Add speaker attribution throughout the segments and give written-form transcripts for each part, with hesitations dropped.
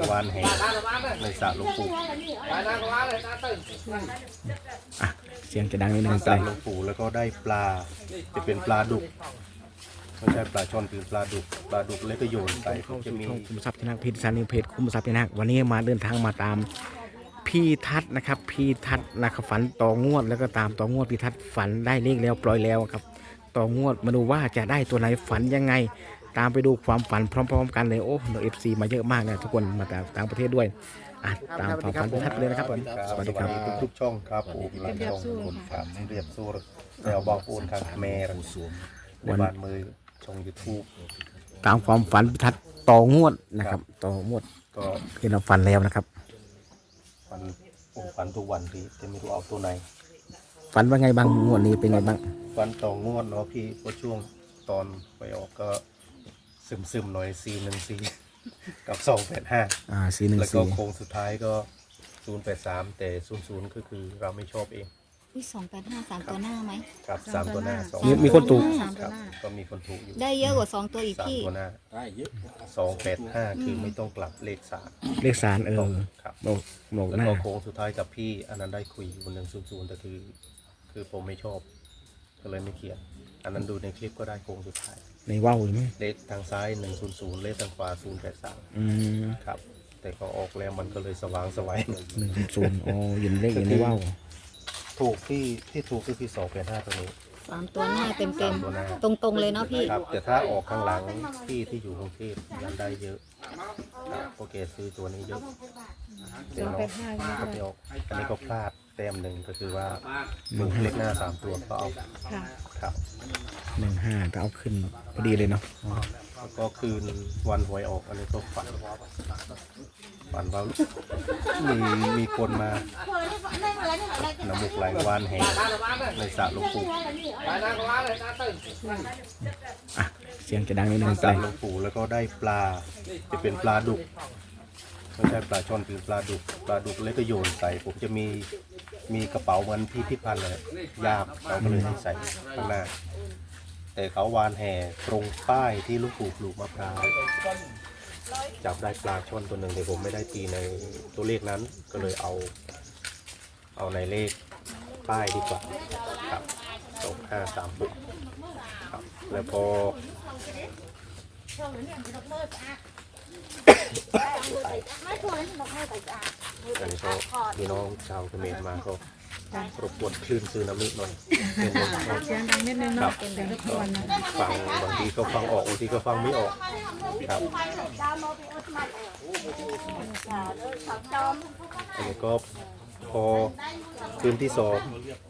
Speaker 1: วานแหในสระหลวงปู่
Speaker 2: อ่ะเสียงจะดังนิดนึง
Speaker 1: ส
Speaker 2: ไป
Speaker 1: ระหลวงปู่แล้วก็ได้ปลาจะเป็นปลาดุกไม่ใช่ปลาช่อนคือปลาดุกแล้วก็โยนใส่
Speaker 2: เข้า
Speaker 1: จะ
Speaker 2: สู่
Speaker 1: มี
Speaker 2: ช่องคุมทรัพย์ชนะเพจสารนิวเพจคุมทรัพย์ชนะวันนี้มาเดินทางมาตามพี่ทัศน์นะครับพี่ทัศน์นะครับฝันต่องวดแล้วก็ตามต่องวดพี่ทัศน์ฝันได้เลขแล้วปล่อยแล้วครับต่องวดมาดูว่าจะได้ตัวไหนฝันยังไง ตามไปดูความฝันพร้อมๆกันเลยโอ้เราFCมาเยอะมากนะทุกคนมาจากต่างประเทศด้วยอ่ะตามความฝันพี่ทัศน์เลยนะครับผมสวัสดีครับ
Speaker 1: ทุกช่องครับผมหลังช่องคนครับเรียบสู้แล้วบอกปูนทางแม่ในบ้านมือช่อง YouTube
Speaker 2: ตามความฝันพิทัศน์ต่องวดนะครับต่องวด
Speaker 1: ก็
Speaker 2: ที่เราฝันแล้วนะครับ
Speaker 1: ฝันทุกวันพี่จะไม่รู้เอาตัวไหน
Speaker 2: ฝันว่าไงบ้างงวดนี้เป็นไงบ้าง
Speaker 1: ฝันต่องวดเนาะพี่เพราะช่วงตอนไปออกก็ซึมๆหน่อย414กับ285
Speaker 2: 414
Speaker 1: แล้วก็โค้งสุดท้ายก็083แต่00คือเราไม่ชอบเอง
Speaker 3: วิ285 3 ตัวหน้าไหม
Speaker 1: ครับ3ตัวหน้า
Speaker 2: มีคนถูก
Speaker 1: ครับก็มีคนถูกอยู่
Speaker 3: ได้เยอะกว่า 2 ตัวอีก
Speaker 1: 3
Speaker 3: พี่
Speaker 1: ตัวหน้า285คือไม่ต้องกลับเลข3
Speaker 2: เลขสาร
Speaker 1: ครับ
Speaker 2: บอก
Speaker 1: แล้ว
Speaker 2: หน้า
Speaker 1: ก็โค้งสุดท้ายกับพี่อันนั้นได้คุยวัน100แต่คือผมไม่ชอบก็เลยไม่เขียนอันนั้นดูในคลิปก็ได้โค้งสุดท้าย
Speaker 2: ในว่าวใช่ไหม
Speaker 1: เลขทางซ้าย100เลขทางขวา083
Speaker 2: อืม
Speaker 1: ครับแต่ก็ออกแล้วมันก็เลยสว่างสวย
Speaker 2: 100อ๋อยินเลขอยู่ในว่าว
Speaker 1: ถูกที่ถูกก็คือ285ตัวนี้
Speaker 3: 3 ตัวหน้าเต็ม
Speaker 1: 3ตัวหน้า
Speaker 3: ๆ ตรงๆเลยเนาะพี่
Speaker 1: ครับแต่ถ้าออกข้างหลังที่อยู่กรุงเทพยังได้เยอะครับโอเคซื้อตัวนี้เยอะเดี๋ยวน้องก็ไปออกอันนี้ก็พลาดแต้มหนึ่งก็คือว่าถูกเลขหน้า3ตัวก็เอาครับ
Speaker 2: 15ก็เอาขึ้นพอดีเลยเนาะ
Speaker 1: แล้วก็คืนวันหวยออกอันนี้ก็ฝันว่ามีคนมาน้ำมูกไหลวานแหในสระหลวงปู่
Speaker 2: อ่ะเสียงจะดังนิดนึง
Speaker 1: ส
Speaker 2: ไประ
Speaker 1: หลวงปู่แล้วก็ได้ปลาจะเป็นปลาดุกไม่ใช่ปลาช่อนคือปลาดุกแล้วก็โยนใส่ผมจะมีกระเป๋าเหมือนพี่พิพันธ์เลยยากเราก็เลยให้ใส่ข้างหน้า แต่เขาวานแห่ตรงป้ายที่ลูกปู่ปลูกมะพร้าวจับได้ปลาช่อนตัวหนึ่งแต่ผมไม่ได้ตีในตัวเลขนั้นก็เลยเอาในเลขป้ายดีกว่าครับ2536ครับแล้วพออันนี้ก็พี่น้องชาวเขมรมาก็รบกวนคลื่นซึนามิหน่อย
Speaker 4: เสียงดังนิดนึงเนาะเดี๋ยวรบกวนนะ
Speaker 1: ฟังบางทีก็ฟังออกบางทีก็ฟังไม่ออกครับอันนี้ก็พอคืนที่สอง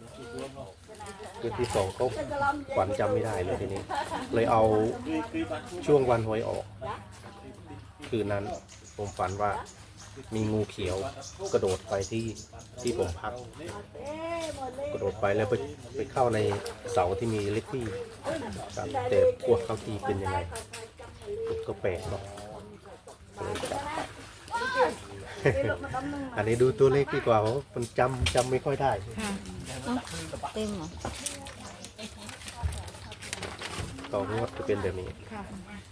Speaker 1: ก็ฝันจำไม่ได้เลยทีนี้ เลยเอาช่วงวันหวยออก คืนนั้นผมฝันว่ามีงูเขียวกระโดดไปที่ผมพัก กระโดดไปแล้วไปเข้าในเสาที่มีเลขที่ครับแต่พวกเขาที่เป็นยังไงก็แปลกเนาะก็เลยจับไป อันนี้ดูตัวเลขดีกว่าเพราะมันจำไม่ค่อยได้
Speaker 4: ค่ะ
Speaker 3: เต็มเหรอ
Speaker 1: ต่องวดจะเป็นแบบนี้
Speaker 4: ค่ะ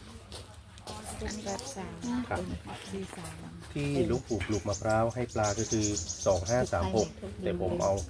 Speaker 4: 883
Speaker 1: ครับ
Speaker 4: 43
Speaker 1: ที่ลูกปลูกมะพร้าวให้ปลาก็คือ2536แต่ผมเอา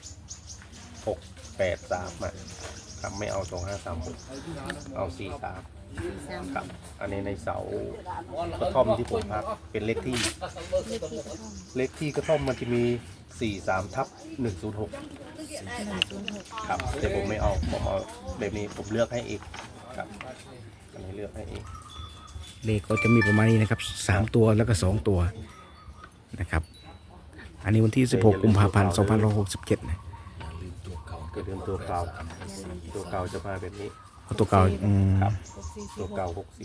Speaker 1: 683มาครับไม่เอา2536เอา43ครับอันนี้ในเสากระท่อมที่ผมพักเป็นเลขที่กระท่อมมันจะมี43/106ครับแต่ผมไม่เอาผมเอาแบบนี้ผมเลือกให้อีกครับอันนี้เลือกให้อีก
Speaker 2: เลขก็จะมีประมาณนี้นะครับ3ตัวแล้วก็2ตัวนะครับอันนี้วันที่16กุมภาพันธ์2567นะ
Speaker 1: ก็เดิมตัวเก่าจะมาแบบนี้
Speaker 2: เอาตัวเก่า
Speaker 1: ครับตัวเก่า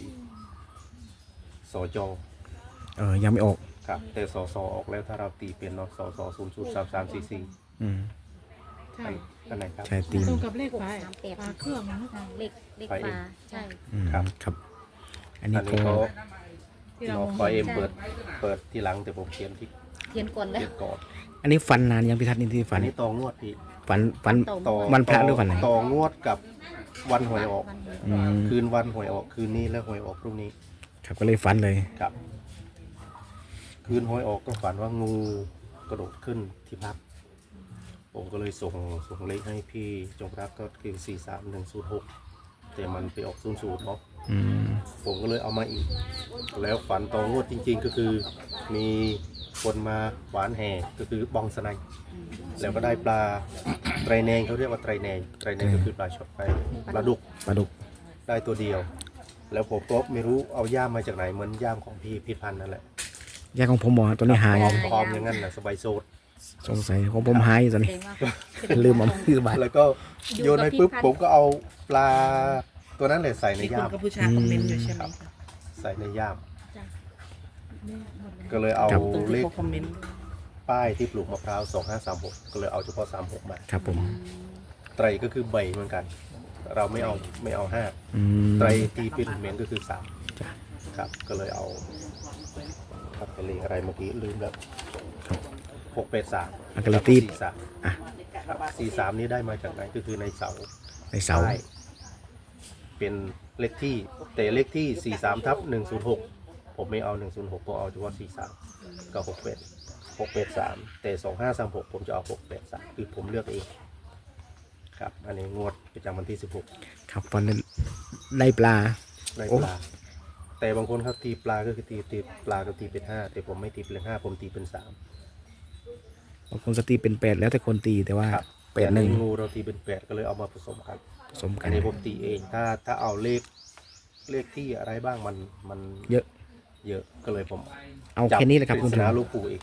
Speaker 1: 64สจ
Speaker 2: ยังไม่ออก
Speaker 1: ครับแต่สสออกแล้วถ้าเราตีเป็นเนาะสส003344
Speaker 2: อืม
Speaker 4: ใช่
Speaker 1: อันไหนครับ
Speaker 2: ใช่ตีม
Speaker 4: ตรงกับเลขฝาเครื่องนะ
Speaker 3: เลขปลาใช่
Speaker 2: ครับอันนี้
Speaker 1: อัน
Speaker 2: ก็
Speaker 1: นี้เขา
Speaker 4: ที่เรา
Speaker 1: เนาะคอยเอ็มเปิดทีหลังแต่ผมเขียนที่
Speaker 3: เขียนก่อนแล้ว
Speaker 1: เขียนก่อน
Speaker 2: อันนี้ฝันนานยังพิทัศน์นี่ที่ฝั
Speaker 1: อั
Speaker 2: น
Speaker 1: นนี้ตองวดพี่
Speaker 2: ฝัน
Speaker 1: ต่อ
Speaker 2: วันพระหรือวันไหน
Speaker 1: ต่องวดกับวันหวยออก
Speaker 2: อืม
Speaker 1: คืนวันหวยออกคืนนี้แล้วหวยออกพรุ่งนี้
Speaker 2: ครับก็เลยฝันเลย
Speaker 1: ครับคืนหวยออกก็ฝันว่างูกระโดดขึ้นที่พักผมก็เลยส่งเลขให้พี่จงรักก็คือ43106แต่มันไปออก00เนาะ
Speaker 2: อืม
Speaker 1: ผมก็เลยเอามาอีก แล้วฝันต่องวดจริงๆก็คือมีคนมาหวานแห่ก็คือบองสไนแล้วก็ได้ปลา ไตรแนงเขาเรียกว่าไตรแนงก็คือปลาช็อตปลาดุก
Speaker 2: ปลาดุก
Speaker 1: ได้ตัวเดียว แล้วผมก็ไม่รู้เอาย่ามมาจากไหนเหมือนย่ามของพี่พิพันธ์นั่นแหละ
Speaker 2: ยาของผมหมอตัวนี้หาย
Speaker 1: พร้อมอย่างนั้นแหละสบายโซด
Speaker 2: สงสัยของผมหายอยู่ตอน
Speaker 3: แส
Speaker 2: นี้
Speaker 3: ดงว่า
Speaker 2: ลืมเอาคือบาท
Speaker 1: แล้วก็โยนไปปุ๊บผมก็เอาปลาตัวนั้นเลยใส่ใน
Speaker 5: มีคุ
Speaker 1: ย่า
Speaker 5: ณ
Speaker 1: ม
Speaker 5: กัมพูชาคอมเมนต์อยู่ใช่ไหมคะ
Speaker 1: ใส่ในย่าม ก็เลยเอา
Speaker 5: ตรง
Speaker 1: เล
Speaker 5: ที่
Speaker 1: ข
Speaker 5: เขาคอมเมนต์
Speaker 1: ป้ายที่ปลูกมะพร้าว2536ก็เลยเอาเฉพาะ36มา
Speaker 2: ครับผม
Speaker 1: ไตรก็คือใบเหมือนกัน เราไม่เอาห้า
Speaker 2: อืม
Speaker 1: ไตรตีเป็นเหม็นก็คือ3
Speaker 2: จ้ะ
Speaker 1: ครับก็เลยเอาครับเป็นเลขอะไรเมื่อกี้ลืมแล้ว
Speaker 2: ครับ
Speaker 1: 683
Speaker 2: อ่ะก็เลยตีบ
Speaker 1: 43
Speaker 2: อ่ะ
Speaker 1: ครับ43นี้ได้มาจากไหนก็คือในเสา
Speaker 2: ในเสา
Speaker 1: ใต้เป็นเลขที่แต่เลขที่43/106ผมไม่เอา106ผมเอาเฉพาะ43ก็683แต่2536ผมจะเอา683คือผมเลือกเองครับอันนี้งวดประจำวันที่16
Speaker 2: ครับฟันได้ปลา
Speaker 1: ได้
Speaker 2: โอ้
Speaker 1: ปลาแต่บางคนครับตีปลาก็คือตีปลาก็ตีเป็น5แต่ผมไม่ตีเป็น5ผมตีเป็น3
Speaker 2: บางคนก็ตีเป็น8แล้วแต่คนตีแต่ว่า
Speaker 1: ครับ
Speaker 2: เป็ดหนึ่ง
Speaker 1: แต่งูเราตีเป็น8ก็เลยเอามาผสมกัน
Speaker 2: ผสมกั
Speaker 1: อั
Speaker 2: น
Speaker 1: นนี้ผมตีเองถ้าเอาเลขที่อะไรบ้างมัน
Speaker 2: เยอะ
Speaker 1: เยอะก็เลยผม
Speaker 2: เอาแค่นี้แหละครับ
Speaker 1: ป
Speaker 2: คุณ
Speaker 1: ริศ
Speaker 2: ถึง
Speaker 1: นาลูกปู่อีก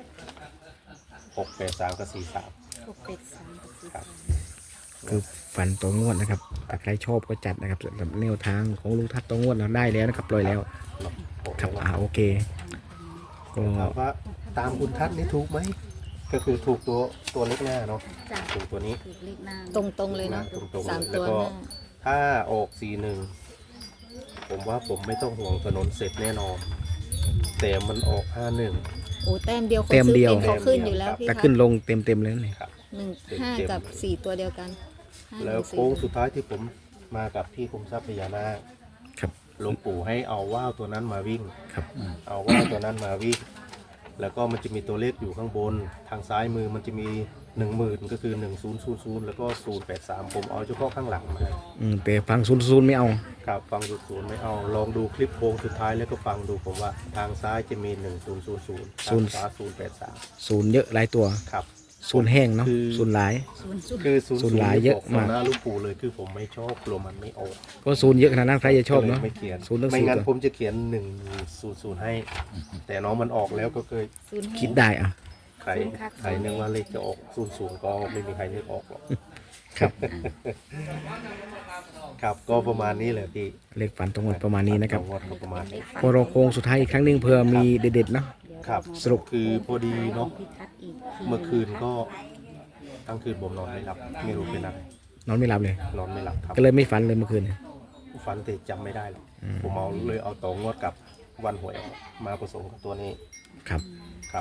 Speaker 1: 683กับ43
Speaker 3: 683กับ
Speaker 1: ครับ
Speaker 2: คือฝันตัวงวดนะครับถ้าใครชอบก็จัดนะครับสำหรับแนวทางของลุงทัศน์ตัวงวดเราได้แล้วนะครับปล่อยแล้ว
Speaker 1: เนาะผม
Speaker 2: ครับโอเคก็
Speaker 1: ถามว่าตามคุณทัศน์นี่ถูกไหมก็คือถูกตัวเล็กหน้าเนาะ
Speaker 3: จ้ะ
Speaker 1: ถูกตัวนี้
Speaker 3: ถูกเลขหน้าตรงๆเลยเนาะ
Speaker 1: ตรงๆ
Speaker 3: สาม
Speaker 1: เลย
Speaker 3: ตัว
Speaker 1: แล้วก็
Speaker 3: หน้า
Speaker 1: ถ้าออก41ผมว่าผมไม่ต้องห่วงถนนเสร็จแน่นอน แต่มันออก51
Speaker 3: โอ้แต้มเดียวคน
Speaker 2: เต็ม
Speaker 3: ซื้อ
Speaker 2: เดียว
Speaker 3: เป็นเขาขึ้นอยู่แล้วพี่
Speaker 2: แต่
Speaker 3: คะ
Speaker 2: ขึ้นลงเต็มเลยนี่
Speaker 1: ครับ
Speaker 3: 1 5 กับ 4 ตัวเดียวกัน5
Speaker 1: แล้ว
Speaker 3: 4
Speaker 1: โค้งสุดท้ายที่ผมมากับพี่คุมทรัพย์พญานาค
Speaker 2: ครับ
Speaker 1: หลวงปู่ให้เอาว่าวตัวนั้นมาวิ่ง
Speaker 2: ครับ
Speaker 1: เอาว่าวตัวนั้นมาวิ่ง แล้วก็มันจะมีตัวเลขอยู่ข้างบน ทางซ้ายมือมันจะมี 10,000 ก็คือ 1000 แล้วก็083ผมเอาเฉพาะข้างหลังมา
Speaker 2: แต่ฟังซูนไม่เอา
Speaker 1: ครับฟังดูศูนย์ไม่เอาลองดูคลิปโค้งสุดท้ายแล้วก็ฟังดูผมว่าทางซ้ายจะมี 1000 ทางขวา083
Speaker 2: ศูนย์เยอะหลายตัว
Speaker 1: ครับ
Speaker 2: ศูนย์แห้งเนาะ
Speaker 1: คือ
Speaker 2: ศูนย์หลาย
Speaker 1: คือ
Speaker 2: ศูนย์หลายเยอะมาก
Speaker 1: หน้าลูกปู่เลยคือผมไม่ชอบกลัวมันไม่ออก
Speaker 2: ก็ศูนย์เยอะขนาดนั้นใครจะชอบเนาะ
Speaker 1: ก็ลยไม่เขียน
Speaker 2: ศูนย์ตั้ง
Speaker 1: ไม่
Speaker 2: สี่
Speaker 1: งั้น
Speaker 2: ตัว
Speaker 1: ผมจะเขียน100ให้ แต่น้องมันออกแล้วก็เคย
Speaker 2: คิดได้อ่ะ
Speaker 1: ใครนึกว่าเลขจะออก00ก็ไม่มีใครนึกออกหรอก
Speaker 2: ครับ
Speaker 1: ครับก็ประมาณนี้แหละพี่
Speaker 2: เลขฝันตรงหมดประมาณนี้นะครับ
Speaker 1: งวดก็ประมาณนี้
Speaker 2: พอเราโค้งสุดท้ายอีกครั้งหนึ่งเพื่อมีเด็ดๆเนาะ
Speaker 1: ครับ
Speaker 2: สรุป
Speaker 1: คือพอดีเนาะ
Speaker 3: พิทักษ์อีกที
Speaker 1: เมื่อคืนก็ทั้งคืนผมนอนไม่หลับไม่รู้เป็นอะไร
Speaker 2: นอนไม่หลับเลย
Speaker 1: นอนไม่หลับครับ
Speaker 2: ก็เลยไม่ฝันเลยเมื่อคืน
Speaker 1: ฝันแต่จำไม่ได้หรอกผมเอาต่องวดกับวันหวยออกมาผสมกับตัวนี้
Speaker 2: ครับ
Speaker 1: ครับ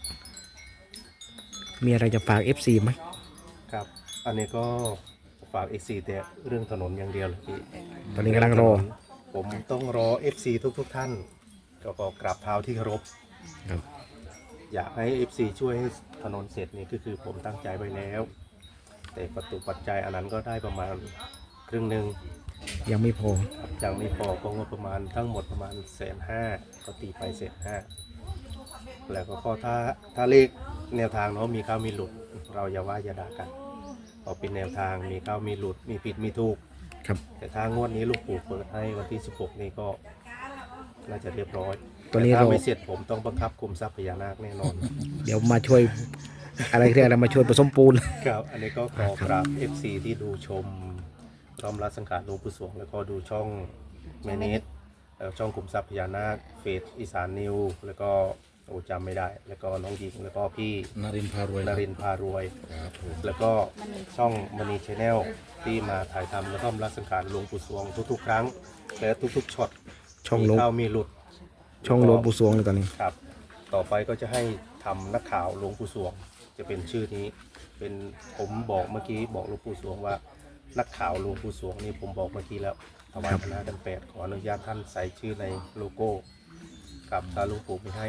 Speaker 2: มีอะไรจะฝาก FC ไหม
Speaker 1: ครับ อันนี้ก็ฝาก FC แต่เรื่องถนนอย่างเดียวเลยพี่
Speaker 2: ตอนนี้กำลังรอ
Speaker 1: ผมต้องรอ FC ทุกท่านก็ขอกราบเท้าที่เคารพ
Speaker 2: ครับ
Speaker 1: อยากให้ FC ช่วยให้ถนนเสร็จนี่ก็คือผมตั้งใจไว้แล้ว แต่ปัจจัยอันนั้นก็ได้ประมาณครึ่งหนึ่ง
Speaker 2: ยังไม่พอ
Speaker 1: ครับยังไม่พอก็งบประมาณทั้งหมดประมาณ150,000ก็ตีไป150,000แล้วก็ถ้าเลขแนวทางเนาะมีเข้ามีหลุด เราอย่าว่าอย่าด่ากันพอเป็นแนวทางมีเข้ามีหลุดมีผิดมีถูก
Speaker 2: ครับ
Speaker 1: แต่ถ้างวดนี้ลูกปู่เปิดให้วันที่16นี่ก็น่าจะเรียบร้อย
Speaker 2: ตัวนี้
Speaker 1: แต่ถ้า
Speaker 2: เรา
Speaker 1: ไม่เสร็จผมต้องบังคับคุมทรัพย์พญานาคแน่นอน
Speaker 2: เดี๋ยวมาช่วย อะไรเรียกอะไรมาช่วยผสมปูน
Speaker 1: ครับอันนี้ก็ขอกราบ FC ที่ดูชมพร้อมรับสังขารหลวงปู่สวงแล้วก็ดูช่องแมเนสช่องคุมทรัพย์พญานาคเฟสอีสานนิวแล้วก็โอ้จำไม่ได้ แล้วก็น้องหญิงแล้วก็พี่
Speaker 6: นารินทร์พารวย
Speaker 1: นรินทร์พารวย
Speaker 6: ครับผม
Speaker 1: แล้วก็ช่องมณีชาแนลที่มาถ่ายทำแล้วก็รับสังขารหลวงปู่สวงทุกๆ ครั้งและทุกๆช็อต
Speaker 2: ช่อง
Speaker 1: มี
Speaker 2: ลง
Speaker 1: เข้ามีหลุด
Speaker 2: ช่องหลวงปู่สวงเลยตอนนี้
Speaker 1: ครับ ต่อไปก็จะให้ทำนักข่าวหลวงปู่สวง จะเป็นชื่อนี้ เป็นผมบอกเมื่อกี้บอกหลวงปู่สวงว่า นักข่าวหลวงปู่สวงนี่ผมบอกเมื่อกี้แล้วถวายคณะกัน8ขออนุญาตท่านใส่ชื่อในโลโก้กับถ้าหลวงปู่ไม่ให้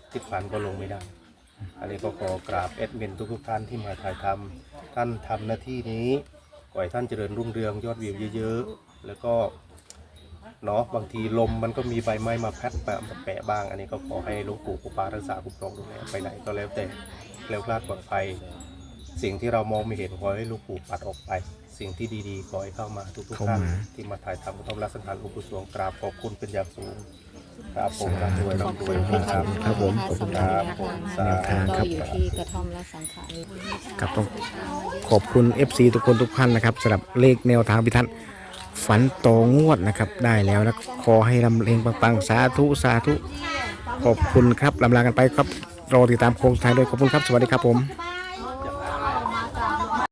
Speaker 1: ทิศพันก็ลงไม่ได้ อันนี้ก็ขอกราบแอดมินทุกท่านที่มาถ่ายทำท่านทำหน้าที่นี้ขอให้ท่านเจริญรุ่งเรืองยอดวิวเยอะๆแล้วก็เนาะบางทีลมมันก็มีใบไม้มาพัดมาแปะบ้าง อันนี้ก็ขอให้หลวงปู่ปู่ปารักษาคุ้มครองดูแลไปไหนก็แล้วแต่แล้วคลาดปลอดภัย สิ่งที่เรามองไม่เห็นขอให้หลวงปู่ปัดออกไป สิ่งที่ดีๆขอให้เข้ามาทุกๆท่านที่มาถ่ายทำกระท่อมรักสังขารหลวงปู่สวงกราบขอบคุณเป็นอย่างสูงครับผมร่ำรวย
Speaker 3: ขอบ
Speaker 1: ร่ำร
Speaker 3: คุ
Speaker 1: วย
Speaker 3: ณพี่ทัศน์
Speaker 2: ครับผมขอบคุณ
Speaker 3: สำห
Speaker 2: ค
Speaker 3: รั
Speaker 2: รั
Speaker 3: บบ
Speaker 1: สา
Speaker 3: ทาง
Speaker 1: ธุ
Speaker 3: ก็อยู่ที่กระท่อมและสังขาร
Speaker 2: ครับต้องขอบคุณ FC ทุกคนทุกท่านนะครับสำหรับเลขแนวทางพิทัศน์ฝันโตงวดนะครับได้แล้วนะขอให้ลำเองปังๆสาธุสาธุขอบคุณครับลำลากันไปครับรอติดตามโค้งสุดท้ายด้วยขอบคุณครับสวัสดีครับผม
Speaker 5: บ้าน